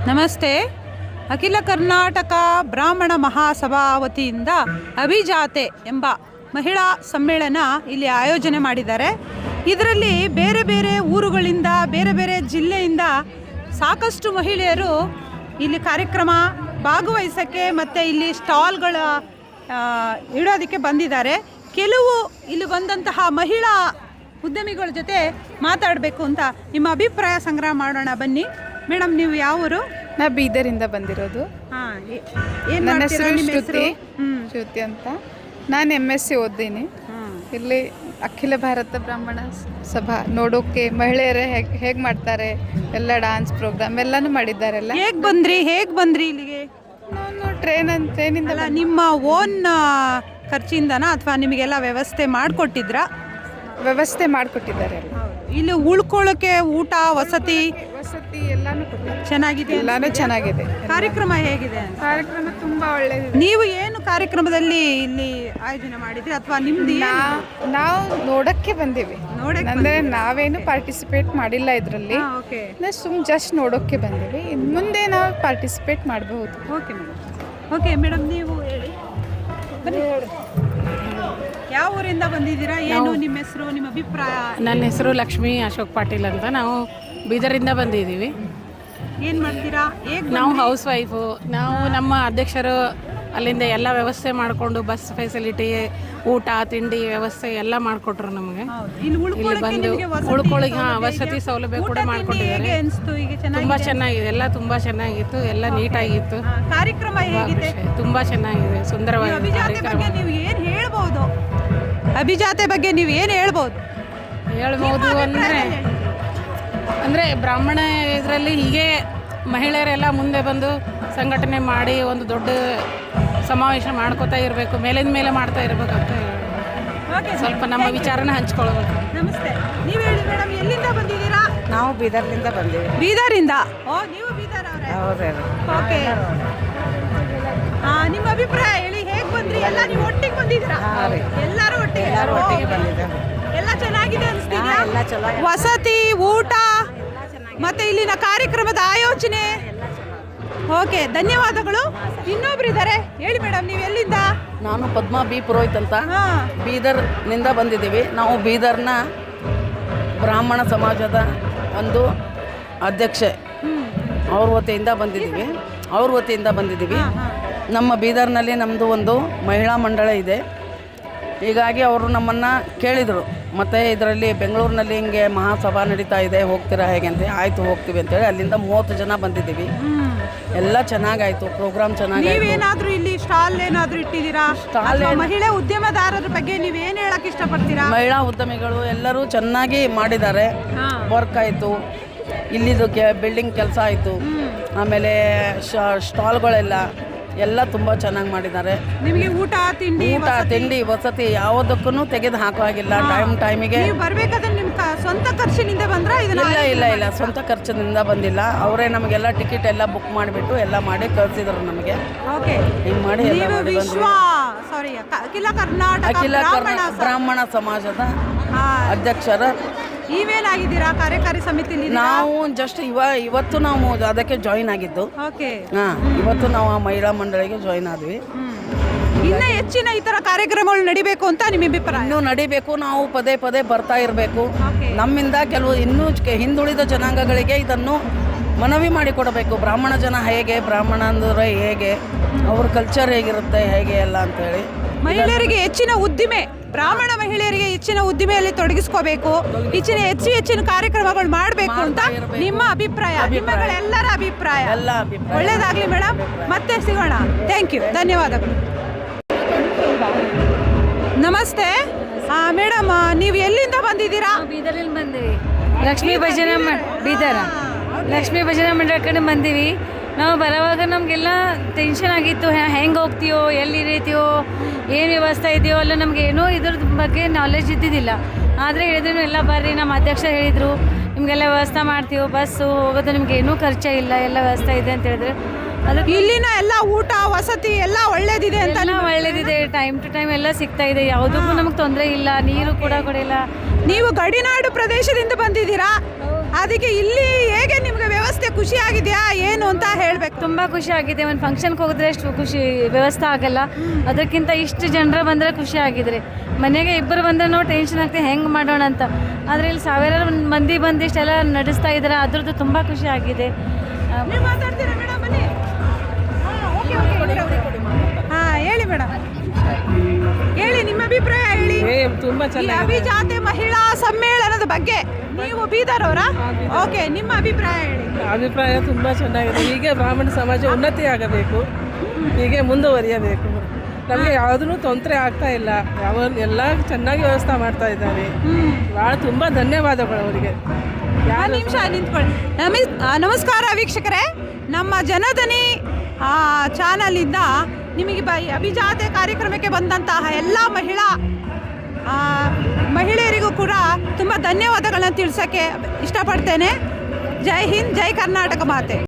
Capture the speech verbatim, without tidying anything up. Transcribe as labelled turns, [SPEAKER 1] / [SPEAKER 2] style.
[SPEAKER 1] ನಮಸ್ತೆ. ಅಖಿಲ ಕರ್ನಾಟಕ ಬ್ರಾಹ್ಮಣ ಮಹಾಸಭಾ ವತಿಯಿಂದ ಅಭಿಜಾತೆ ಎಂಬ ಮಹಿಳಾ ಸಮ್ಮೇಳನ ಇಲ್ಲಿ ಆಯೋಜನೆ ಮಾಡಿದ್ದಾರೆ. ಇದರಲ್ಲಿ ಬೇರೆ ಬೇರೆ ಊರುಗಳಿಂದ ಬೇರೆ ಬೇರೆ ಜಿಲ್ಲೆಯಿಂದ ಸಾಕಷ್ಟು ಮಹಿಳೆಯರು ಇಲ್ಲಿ ಕಾರ್ಯಕ್ರಮ ಭಾಗವಹಿಸೋಕ್ಕೆ ಮತ್ತು ಇಲ್ಲಿ ಸ್ಟಾಲ್ಗಳ ಇಡೋದಕ್ಕೆ ಬಂದಿದ್ದಾರೆ. ಕೆಲವು ಇಲ್ಲಿ ಬಂದಂತಹ ಮಹಿಳಾ ಉದ್ಯಮಿಗಳ ಜೊತೆ ಮಾತಾಡಬೇಕು ಅಂತ ನಿಮ್ಮ ಅಭಿಪ್ರಾಯ ಸಂಗ್ರಹ ಮಾಡೋಣ. ಬನ್ನಿ ಮೇಡಮ್, ನೀವು ಯಾವ ಊರು?
[SPEAKER 2] ನಾ ಬೀದರಿಂದ ಬಂದಿರೋದು.
[SPEAKER 1] ಹಾಂ,
[SPEAKER 2] ನನ್ನ ಹೆಸರು ಶ್ರುತಿ ಶ್ರುತಿ ಅಂತ. ನಾನು ಎಮ್ ಎಸ್ ಸಿ ಓದ್ದೀನಿ. ಇಲ್ಲಿ ಅಖಿಲ ಭಾರತ ಬ್ರಾಹ್ಮಣ ಸಭಾ ನೋಡೋಕೆ ಮಹಿಳೆಯರೇ ಹೇಗೆ ಹೇಗೆ ಮಾಡ್ತಾರೆ, ಎಲ್ಲ ಡಾನ್ಸ್ ಪ್ರೋಗ್ರಾಮ್ ಎಲ್ಲನೂ ಮಾಡಿದ್ದಾರೆಲ್ಲ.
[SPEAKER 1] ಹೇಗೆ ಬಂದ್ರಿ ಹೇಗೆ ಬಂದ್ರಿ ಇಲ್ಲಿಗೆ?
[SPEAKER 2] ನಾನು ಟ್ರೈನ್ ಟ್ರೈನಿಂದ.
[SPEAKER 1] ನಿಮ್ಮ ಓನ್ ಖರ್ಚಿಂದನಾ ಅಥವಾ ನಿಮಗೆಲ್ಲ ವ್ಯವಸ್ಥೆ ಮಾಡಿಕೊಟ್ಟಿದ್ರಾ?
[SPEAKER 2] ವ್ಯವಸ್ಥೆ ಮಾಡಿಕೊಟ್ಟಿದ್ದಾರೆ.
[SPEAKER 1] ಇಲ್ಲಿ ಉಳ್ಕೊಳ್ಳೋಕೆ ಊಟ ವಸತಿ
[SPEAKER 2] ವಸತಿ ಎಲ್ಲಾನು ಕೊಟ್ಟಿದ್ದಾರೆ.
[SPEAKER 1] ಚೆನ್ನಾಗಿದೆ,
[SPEAKER 2] ಎಲ್ಲಾನು ಚೆನ್ನಾಗಿದೆ.
[SPEAKER 1] ಕಾರ್ಯಕ್ರಮ ಹೇಗಿದೆ?
[SPEAKER 2] ಕಾರ್ಯಕ್ರಮ ತುಂಬ ಒಳ್ಳೆಯದಿದೆ.
[SPEAKER 1] ನೀವು ಏನು ಕಾರ್ಯಕ್ರಮದಲ್ಲಿ ಇಲ್ಲಿ ಆಯೋಜನೆ ಮಾಡಿದ್ರಿ ಅಥವಾ ನಿಮ್ದು?
[SPEAKER 2] ನಾವು ನೋಡಕ್ಕೆ ಬಂದೀವಿ.
[SPEAKER 1] ನೋಡಕ್ಕೆ
[SPEAKER 2] ಅಂದರೆ ನಾವೇನು ಪಾರ್ಟಿಸಿಪೇಟ್ ಮಾಡಿಲ್ಲ ಇದರಲ್ಲಿ.
[SPEAKER 1] ಓಕೆ,
[SPEAKER 2] ಸುಮ್ ಜಸ್ಟ್ ನೋಡೋಕ್ಕೆ ಬಂದೀವಿ. ಇನ್ನು ಮುಂದೆ ನಾವು ಪಾರ್ಟಿಸಿಪೇಟ್ ಮಾಡಬಹುದು.
[SPEAKER 1] Okay madam. ಓಕೆ ಮೇಡಮ್, ನೀವು ಹೇಳಿ. ಬನ್ನಿ, ಯಾವ ಊರಿಂದ ಬಂದಿದ್ದೀರಾ? ಏನು ನಿಮ್ಮ ಹೆಸರು, ನಿಮ್ಮ ಅಭಿಪ್ರಾಯ?
[SPEAKER 3] ನನ್ನ ಹೆಸರು ಲಕ್ಷ್ಮೀ ಅಶೋಕ್ ಪಾಟೀಲ್ ಅಂತ. ನಾವು ಬೀದರಿಂದ ಬಂದಿದ್ದೀವಿ.
[SPEAKER 1] ಏನು ಮಾಡ್ತೀರಾ? ಹೇಗೆ?
[SPEAKER 3] ನಾವು ಹೌಸ್ ವೈಫು. ನಾವು ನಮ್ಮ ಅಧ್ಯಕ್ಷರು ಅಲ್ಲಿಂದ ಎಲ್ಲ ವ್ಯವಸ್ಥೆ ಮಾಡಿಕೊಂಡು ಬಸ್ ಫೆಸಿಲಿಟಿ, ಊಟ ತಿಂಡಿ ವ್ಯವಸ್ಥೆ ಎಲ್ಲ ಮಾಡಿಕೊಟ್ರು ನಮಗೆ. ಇಲ್ಲಿ ಬಂದು ಉಳ್ಕೊಳ್ಳಿಗೆ ಹಾಂ ವಸತಿ ಸೌಲಭ್ಯ ಕೂಡ ಮಾಡಿಕೊಟ್ಟಿದ್ದಾರೆ. ತುಂಬ ಚೆನ್ನಾಗಿದೆ, ಎಲ್ಲ ತುಂಬ ಚೆನ್ನಾಗಿತ್ತು, ಎಲ್ಲ ನೀಟಾಗಿತ್ತು.
[SPEAKER 1] ಕಾರ್ಯಕ್ರಮ ಹೇಗಿದೆ?
[SPEAKER 3] ತುಂಬ ಚೆನ್ನಾಗಿದೆ, ಸುಂದರವಾಗಿದೆ ಕಾರ್ಯಕ್ರಮ.
[SPEAKER 1] ನೀವು ಏನು ಹೇಳ್ಬೋದು? ಅಭಿಜಾತೆ ಬಗ್ಗೆ ನೀವು ಏನು ಹೇಳ್ಬೋದು?
[SPEAKER 3] ಹೇಳ್ಬೋದು ಅಂದರೆ ಅಂದರೆ ಬ್ರಾಹ್ಮಣ ಇದರಲ್ಲಿ ಹೀಗೆ ಮಹಿಳೆಯರೆಲ್ಲ ಮುಂದೆ ಬಂದು ಸಂಘಟನೆ ಮಾಡಿ ಒಂದು ದೊಡ್ಡ ಸಮಾವೇಶ ಮಾಡ್ಕೋತಾ ಇರಬೇಕು, ಮೇಲಿಂದ ಮೇಲೆ ಮಾಡ್ತಾ ಇರಬೇಕು ಅಂತ ಸ್ವಲ್ಪ ನಮ್ಮ ವಿಚಾರನ ಹಂಚ್ಕೊಳ್ಬೇಕು.
[SPEAKER 1] ನಮಸ್ತೆ, ನೀವು ಹೇಳಿ ಮೇಡಮ್, ಎಲ್ಲಿಂದ ಬಂದಿದ್ದೀರಾ?
[SPEAKER 4] ನಾವು ಬೀದರ್ನಿಂದ ಬಂದೀವಿ.
[SPEAKER 1] ಬೀದರಿಂದ? ಓ, ನೀವು ಬೀದರ್ ಅವರೇ?
[SPEAKER 4] ಹೌದು.
[SPEAKER 1] ಓಕೆ, ಹಾಂ, ನಿಮ್ಮ ಅಭಿಪ್ರಾಯ ಹೇಳಿ. ಹೇಗೆ ಬಂದ್ರಿ? ಎಲ್ಲ ನೀವು ಒಟ್ಟಿಗೆ ಬಂದಿದ್ದೀರಾ? ಎಲ್ಲರೂ ಒಟ್ಟಿಗೆ?
[SPEAKER 4] ಎಲ್ಲರೂ ಒಟ್ಟಿಗೆ ಬಂದಿದ್ದೇವೆ.
[SPEAKER 1] ಎಲ್ಲ ಚೆನ್ನಾಗಿದೆ ಅನಿಸ್ತಿದ್ಯಾ?
[SPEAKER 4] ಎಲ್ಲ ಚೆನ್ನಾಗಿ,
[SPEAKER 1] ವಸತಿ, ಊಟ ಮತ್ತೆ ಇಲ್ಲಿನ ಕಾರ್ಯಕ್ರಮದ ಆಯೋಜನೆ. ಓಕೆ, ಧನ್ಯವಾದಗಳು. ಇನ್ನೊಬ್ರು ಇದ್ದಾರೆ, ಹೇಳಿ ಮೇಡಮ್, ನೀವು ಎಲ್ಲಿಂದ?
[SPEAKER 4] ನಾನು ಪದ್ಮಾ ಬಿ ಪುರೋಹಿತ್ ಅಂತ ಬೀದರ್ನಿಂದ ಬಂದಿದ್ದೀವಿ. ನಾವು ಬೀದರ್ನ ಬ್ರಾಹ್ಮಣ ಸಮಾಜದ ಒಂದು ಅಧ್ಯಕ್ಷೆ ಅವ್ರ ವತಿಯಿಂದ ಬಂದಿದ್ದೀವಿ ಅವ್ರ ವತಿಯಿಂದ ಬಂದಿದ್ದೀವಿ ನಮ್ಮ ಬೀದರ್ನಲ್ಲಿ ನಮ್ಮದು ಒಂದು ಮಹಿಳಾ ಮಂಡಳ ಇದೆ. ಹೀಗಾಗಿ ಅವರು ನಮ್ಮನ್ನು ಕೇಳಿದರು, ಮತ್ತು ಇದರಲ್ಲಿ ಬೆಂಗಳೂರಿನಲ್ಲಿ ಹಿಂಗೆ ಮಹಾಸಭಾ ನಡೀತಾ ಇದೆ, ಹೋಗ್ತೀರಾ ಹೇಗೆ ಅಂತ. ಆಯಿತು ಹೋಗ್ತೀವಿ ಅಂತೇಳಿ ಅಲ್ಲಿಂದ ಮೂವತ್ತು ಜನ ಬಂದಿದ್ದೀವಿ. ಎಲ್ಲ ಚೆನ್ನಾಗಾಯಿತು, ಪ್ರೋಗ್ರಾಮ್ ಚೆನ್ನಾಗಿ.
[SPEAKER 1] ನೀವೇನಾದರೂ ಇಲ್ಲಿ ಸ್ಟಾಲ್ ಏನಾದರೂ ಇಟ್ಟಿದ್ದೀರಾ?
[SPEAKER 4] ಸ್ಟಾಲ್
[SPEAKER 1] ಮಹಿಳಾ ಉದ್ಯಮದಾರರ ಬಗ್ಗೆ ನೀವೇನು ಹೇಳಕ್ಕೆ ಇಷ್ಟಪಡ್ತೀರಾ?
[SPEAKER 4] ಮಹಿಳಾ ಉದ್ಯಮಿಗಳು ಎಲ್ಲರೂ ಚೆನ್ನಾಗಿ ಮಾಡಿದ್ದಾರೆ. ವರ್ಕ್ ಆಯಿತು, ಇಲ್ಲಿದು ಕೆ ಬಿಲ್ಡಿಂಗ್ ಕೆಲಸ ಆಯಿತು, ಆಮೇಲೆ ಸ್ಟಾಲ್ಗಳೆಲ್ಲ ಎಲ್ಲ ತುಂಬ ಚೆನ್ನಾಗಿ ಮಾಡಿದ್ದಾರೆ.
[SPEAKER 1] ನಿಮಗೆ ಊಟ ತಿಂಡಿ
[SPEAKER 4] ಊಟ ತಿಂಡಿ ವಸತಿ ಯಾವುದಕ್ಕೂ ತೆಗೆದು ಹಾಕೋ ಹಾಗಿಲ್ಲ. ಟೈಮ್ ಟೈಮಿಗೆ
[SPEAKER 1] ಬರಬೇಕಾದ್ರೆ ನಿಮ್ಮ ಸ್ವಂತ ಖರ್ಚಿನಿಂದ ಬಂದ್ರೆ?
[SPEAKER 4] ಇಲ್ಲ ಇಲ್ಲ ಇಲ್ಲ ಸ್ವಂತ ಖರ್ಚಿನಿಂದ ಬಂದಿಲ್ಲ. ಅವರೇ ನಮಗೆಲ್ಲ ಟಿಕೆಟ್ ಎಲ್ಲ ಬುಕ್ ಮಾಡಿಬಿಟ್ಟು ಎಲ್ಲ ಮಾಡಿ ಕಳಿಸಿದ್ರು ನಮಗೆ.
[SPEAKER 1] ಓಕೆ,
[SPEAKER 4] ಹಿಂಗೆ ಮಾಡಿ
[SPEAKER 1] ಸಾರಿ ಅಖಿಲ ಕರ್ನಾಟಕ
[SPEAKER 4] ಅಖಿಲ ಕರ್ನಾಟಕ ಬ್ರಾಹ್ಮಣ ಸಮಾಜದ ಅಧ್ಯಕ್ಷರ
[SPEAKER 1] ನೀವೇನಾಗಿದ್ದೀರಾ ಕಾರ್ಯಕಾರಿ ಸಮಿತಿಲಿ?
[SPEAKER 4] ನಾವು ಜಸ್ಟ್ ಇವ ಇವತ್ತು ನಾವು ಅದಕ್ಕೆ ಜಾಯಿನ್ ಆಗಿದ್ದು.
[SPEAKER 1] ಓಕೆ,
[SPEAKER 4] ಹಾಂ, ಇವತ್ತು ನಾವು ಆ ಮಹಿಳಾ ಮಂಡಳಿಗೆ ಜಾಯಿನ್ ಆದ್ವಿ.
[SPEAKER 1] ಇನ್ನು ಹೆಚ್ಚಿನ ಈ ಥರ ಕಾರ್ಯಕ್ರಮಗಳು ನಡಿಬೇಕು ಅಂತ ನಿಮ್ಮ ಅಭಿಪ್ರಾಯ?
[SPEAKER 4] ಇನ್ನೂ ನಡಿಬೇಕು, ನಾವು ಪದೇ ಪದೇ ಬರ್ತಾ ಇರಬೇಕು. ನಮ್ಮಿಂದ ಕೆಲವು ಇನ್ನೂ ಹಿಂದುಳಿದ ಜನಾಂಗಗಳಿಗೆ ಇದನ್ನು ಮನವಿ ಮಾಡಿಕೊಡಬೇಕು. ಬ್ರಾಹ್ಮಣ ಜನ ಹೇಗೆ, ಬ್ರಾಹ್ಮಣ ಅಂದರೆ ಹೇಗೆ, ಅವ್ರ ಕಲ್ಚರ್ ಹೇಗಿರುತ್ತೆ, ಹೇಗೆ ಎಲ್ಲ ಅಂತೇಳಿ.
[SPEAKER 1] ಮಹಿಳೆಯರಿಗೆ ಹೆಚ್ಚಿನ ಉದ್ದಿಮೆ, ಬ್ರಾಹ್ಮಣ ಮಹಿಳೆಯರಿಗೆ ಹೆಚ್ಚಿನ ಉದ್ದಿಮೆಯಲ್ಲಿ ತೊಡಗಿಸ್ಕೋಬೇಕು, ಹೆಚ್ಚಿನ ಹೆಚ್ಚು ಹೆಚ್ಚಿನ ಕಾರ್ಯಕ್ರಮಗಳು ಮಾಡಬೇಕು ಅಂತ ನಿಮ್ಮ ಅಭಿಪ್ರಾಯ, ನಿಮ್ಮಗಳೆಲ್ಲರ ಅಭಿಪ್ರಾಯ.
[SPEAKER 4] ಎಲ್ಲ ಅಭಿಪ್ರಾಯ.
[SPEAKER 1] ಒಳ್ಳೇದಾಗಲಿ ಮೇಡಮ್, ಮತ್ತೆ ಸಿಗೋಣ. ಥ್ಯಾಂಕ್ ಯು, ಧನ್ಯವಾದಗಳು. ನಮಸ್ತೆ ಮೇಡಮ್, ನೀವು ಎಲ್ಲಿಂದ ಬಂದಿದ್ದೀರಾ?
[SPEAKER 5] ಬೀದರಲ್ಲಿ ಬಂದೀವಿ. ಲಕ್ಷ್ಮೀ ಭಜನಾ ಬೀದರ ಲಕ್ಷ್ಮೀ ಭಜನಾ ಮಂಡಳ ಕಡೆ ಬಂದೀವಿ. ನಾವು ಬರೋವಾಗ ನಮಗೆಲ್ಲ ಟೆನ್ಷನ್ ಆಗಿತ್ತು, ಹೆಂಗೆ ಹೋಗ್ತೀವೋ, ಎಲ್ಲಿ ಇರೀತೀವೋ, ಏನು ವ್ಯವಸ್ಥೆ ಇದೆಯೋ ಅಲ್ಲ, ನಮಗೆ ಏನೋ ಇದ್ರ ಬಗ್ಗೆ ನಾಲೆಜ್ ಇದ್ದಿದ್ದಿಲ್ಲ. ಆದರೆ ಹೇಳಿದ್ರು ಎಲ್ಲ ಬರ್ರಿ, ನಮ್ಮ ಅಧ್ಯಕ್ಷ ಹೇಳಿದರು ನಿಮಗೆಲ್ಲ ವ್ಯವಸ್ಥೆ ಮಾಡ್ತೀವೋ, ಬಸ್ಸು ಹೋಗೋದು ನಿಮ್ಗೆ ಏನೂ ಖರ್ಚೇ ಇಲ್ಲ, ಎಲ್ಲ ವ್ಯವಸ್ಥೆ ಇದೆ ಅಂತ ಹೇಳಿದ್ರೆ. ಅದಕ್ಕೆ
[SPEAKER 1] ಇಲ್ಲಿನ ಎಲ್ಲ ಊಟ ವಸತಿ ಎಲ್ಲ ಒಳ್ಳೇದಿದೆ ಅಂತ?
[SPEAKER 5] ಒಳ್ಳೇದಿದೆ, ಟೈಮ್ ಟು ಟೈಮ್ ಎಲ್ಲ ಸಿಗ್ತಾ ಇದೆ, ಯಾವುದಕ್ಕೂ ನಮಗೆ ತೊಂದರೆ ಇಲ್ಲ, ನೀರು ಕೂಡ ಕೊಡಿಲ್ಲ.
[SPEAKER 1] ನೀವು ಗಡಿನಾಡು ಪ್ರದೇಶದಿಂದ ಬಂದಿದ್ದೀರಾ, ಅದಕ್ಕೆ ಇಲ್ಲಿ ಹೇಗೆ ನಿಮಗೆ ವ್ಯವಸ್ಥೆ ಖುಷಿ ಆಗಿದೆಯಾ ಏನು ಅಂತ ಹೇಳಬೇಕು.
[SPEAKER 5] ತುಂಬ ಖುಷಿ ಆಗಿದೆ. ಒಂದು ಫಂಕ್ಷನ್ಗೆ ಹೋಗಿದ್ರೆ ಅಷ್ಟು ಖುಷಿ ವ್ಯವಸ್ಥೆ ಆಗಲ್ಲ, ಅದಕ್ಕಿಂತ ಇಷ್ಟು ಜನರು ಬಂದರೆ ಖುಷಿ ಆಗಿದ್ರೆ. ಮನೆಗೆ ಇಬ್ಬರು ಬಂದರೆ ನಾವು ಟೆನ್ಷನ್ ಆಗ್ತದೆ ಹೆಂಗೆ ಮಾಡೋಣ ಅಂತ. ಆದರೆ ಇಲ್ಲಿ ಸಾವಿರಾರು ಮಂದಿ ಬಂದು ಇಷ್ಟೆಲ್ಲ ನಡೆಸ್ತಾ ಇದ್ದಾರೆ, ಅದ್ರದ್ದು ತುಂಬ ಖುಷಿ ಆಗಿದೆ.
[SPEAKER 1] ನೀವು ಮಾತಾಡ್ತೀರಾ ಮೇಡಮ್ ಬನ್ನಿ. ಹಾಂ ಹೇಳಿ ಮೇಡಮ್, ಹೇಳಿ ನಿಮ್ಮ ಅಭಿಪ್ರಾಯ ಹೇಳಿ.
[SPEAKER 3] ತುಂಬ
[SPEAKER 1] ಈ ಅಭಿಜಾತೆ ಮಹಿಳಾ ಸಮ್ಮೇಳನದ ಬಗ್ಗೆ. ನೀವು ಬೀದರ್ ಅವರಾ? ಓಕೆ, ನಿಮ್ಮ ಅಭಿಪ್ರಾಯ ಹೇಳಿ.
[SPEAKER 3] ಅಭಿಪ್ರಾಯ ತುಂಬ ಚೆನ್ನಾಗಿದೆ. ಹೀಗೆ ಬ್ರಾಹ್ಮಣ ಸಮಾಜ ಉನ್ನತಿ ಆಗಬೇಕು, ಹೀಗೆ ಮುಂದುವರಿಯಬೇಕು. ನಮಗೆ ಯಾವುದೂ ತೊಂದರೆ ಆಗ್ತಾ ಇಲ್ಲ, ಯಾವ ಎಲ್ಲ ಚೆನ್ನಾಗಿ ವ್ಯವಸ್ಥೆ ಮಾಡ್ತಾ ಇದ್ದಾರೆ. ಭಾಳ ತುಂಬ ಧನ್ಯವಾದಗಳು ಅವರಿಗೆ.
[SPEAKER 1] ಒಂದು ನಿಮಿಷ ನಿಂತ್ಕೊಳ್ಳಿ. ನಮಿ ನಮಸ್ಕಾರ ವೀಕ್ಷಕರೇ, ನಮ್ಮ ಜನಧನಿ ಚಾನಲಿಂದ ನಿಮಗೆ ಬ ಅಭಿಜಾತೆ ಕಾರ್ಯಕ್ರಮಕ್ಕೆ ಬಂದಂತಹ ಎಲ್ಲ ಮಹಿಳಾ ಮಹಿಳೆಯರಿಗೂ ಕೂಡ ತುಂಬ ಧನ್ಯವಾದಗಳನ್ನ ತಿಳಿಸೋಕ್ಕೆ ಇಷ್ಟಪಡ್ತೇನೆ. ಜೈ ಹಿಂದ್, ಜೈ ಕರ್ನಾಟಕ ಮಾತೆ.